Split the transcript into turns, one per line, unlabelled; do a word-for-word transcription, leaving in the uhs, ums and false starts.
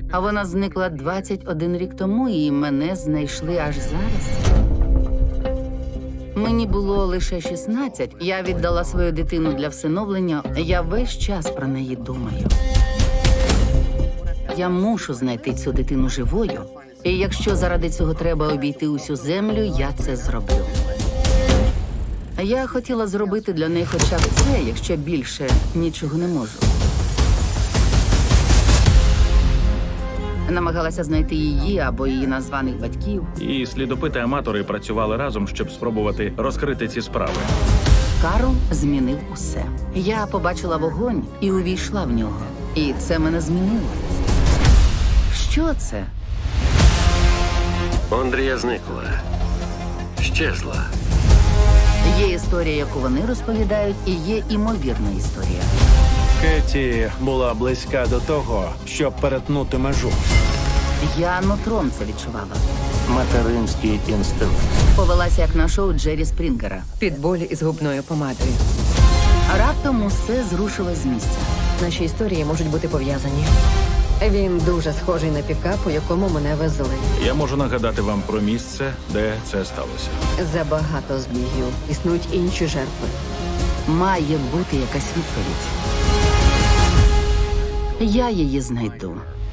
А вона зникла двадцять один рік тому, і мене знайшли аж зараз. Мені було лише шістнадцять. Я віддала свою дитину для всиновлення. Я весь час про неї думаю. Я мушу знайти цю дитину живою. І якщо заради цього треба обійти усю землю, я це зроблю. Я хотіла зробити для неї хоча б це, якщо більше нічого не можу. Намагалася знайти її або її названих батьків.
І слідопити-аматори працювали разом, щоб спробувати розкрити ці справи.
Карл змінив усе. Я побачила вогонь і увійшла в нього. І це мене змінило. Що це?
Ондрія зникла. Щезла.
Є історія, яку вони розповідають, і є імовірна історія.
Кеті була близька до того, щоб перетнути межу.
Я нутром це відчувала.
Материнський інстинкт.
Повелася як на шоу Джері Спрінгера.
Під болі із губною помадою.
Раптом усе зрушилось з місця.
Наші історії можуть бути пов'язані. Він дуже схожий на пікап, у якому мене везли.
Я можу нагадати вам про місце, де це сталося.
Забагато збігів. Існують інші жертви.
Має бути якась відповідь. Я її знайду.